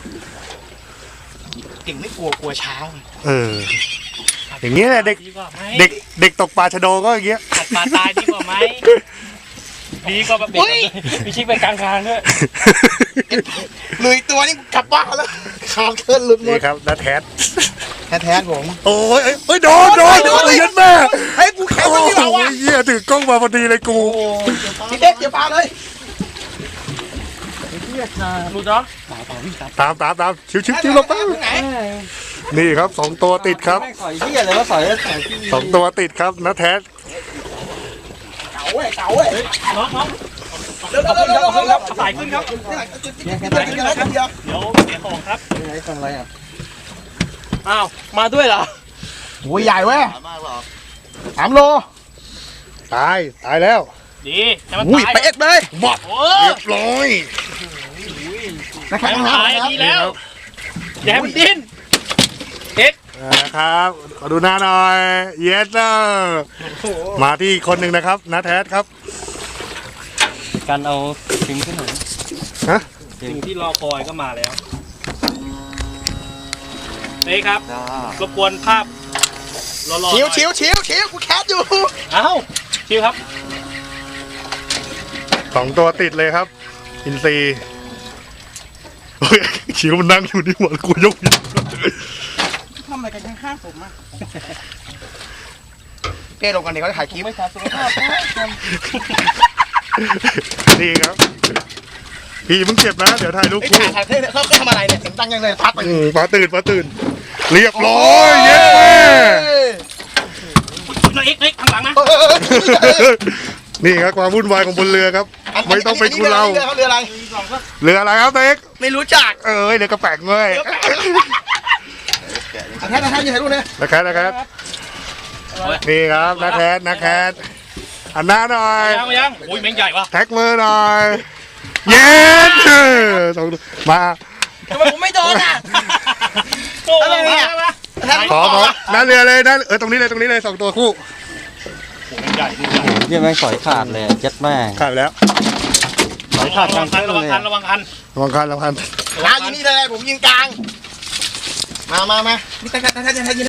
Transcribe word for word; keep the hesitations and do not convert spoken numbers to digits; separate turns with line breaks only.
เก่งไม่กลัวกลัวเช้า
เอออย่างเงี้ยแหละเด็กเด็กเด็กตกปลาชะโดก็อย่างเงี้ย
ตัดปลาตายดีกว่าไหมดีกว่าแบบเด็กมีชิกไปกลางทางด้วย
เลยตัวนี้กลับบ้านแล้วขาดเคลื่อนหลุดหมด
นี่ครับนัดแทส
แท้ๆผม
โอ้ยเอ้ยโดนโดนโดนเลยยันแม่
เฮ้ยกูแข็งมันที่เราอ่ะ
เหี้ยถือกล้องมาพอดีเลยกู
พี่เด็กเดี๋ยวปาเลย
หลุดเนาะ
ตามตามตามชิวชิวชิวลงไปนี่ครับสองตัวติดครับ
สอยที่อะไรวะสอย
สองตัวติดครับนัดแทส
เก๋าเว้ยเก๋าเว้ย
น้องน้อง
เร็วเร็วเร็วเร็วเร็ว
สายขึ้นครับ
สายขึ้นครับเดี๋ยว
เดี๋ยวเสียของครับ
ไอ้ฟังอะไรอ่ะ
อ้าวมาด้วยเหรอ
โอ้ยใหญ่เว้ยสามโล
ตายตายแล้ว
ดีให้มัน
อุ้ย
ตาย
ไปเอ็ดเลย
หมดเรียบร้อย
นะครับ
ให้มันตายดีแล้วอย่าให้มันดิ้นเอ็ก
นะครับขอดูหน้าหน่อยเยสเนอร์มาที่คนหนึ่งนะครับนัดแทสครับ
การเอาทิ้งขึ้นหน่อย
ฮะ
สิ่งที่รอคอยก็มาแล้วนี่ครับรบกวนภาพรอๆ
ชิวชิวชิวชิวกูแคสอยู่
เอ้าชิวครับ
สองตัวติดเลยครับอินซีชิวมันนั่งอยู่นี่หว่ากูยก
ทำอะไรกันข้างๆผมอ่ะเป้ลงกันเดี๋ยวเขาจะถ่ายคลิปไม่ถ่ายสุขภาพ
นี่ครับพี่มึงเจ็บนะเดี๋ยวถ่ายรูปคู่
ถ่ายถ่ายเขาเขาทำอะไรเนี่ยเสียงดังยังเลยพักไป
ปลาตื่นปลาตื่นเรียบร้อยเย้แม่
น้องเอ็กเอ็กข้างหลังนะ
นี่ครับความวุ่นวายของบนเรือครับไม่ต้องไปกูเรา
เรืออะไร
เรืออะไรครับเต็ก
ไม่รู้จัก
เออเรือกระแปงเลย
แค่แค่ยังไงรู้เนี่ย
นะครับนะครับนี่ครับนักแคสนักแคสอันหน้าหน่อย
ยังยังโอ้ยแม่งใหญ่วะ
แท็กมือหน่อยเย็นสองมา
ทำไมผมไม่โดนอ่ะ
อะไรเนี่ย
ขอขอหน้าเรือเลยนะเออตรงนี้เลยตรงนี้เลยสองตัวคู่
ใหญ่ดู
โอ้ยแม่งสอยขาดเลยเจ็ดแม่ง
ขาดแล้ว
สอยขาดกลาง
ระวังคันระวังคัน
ระวังคันระวังคัน
ลาอยู่นี่เลยผมยิงกลางมามามานี่ท่านท่านท่านท่าน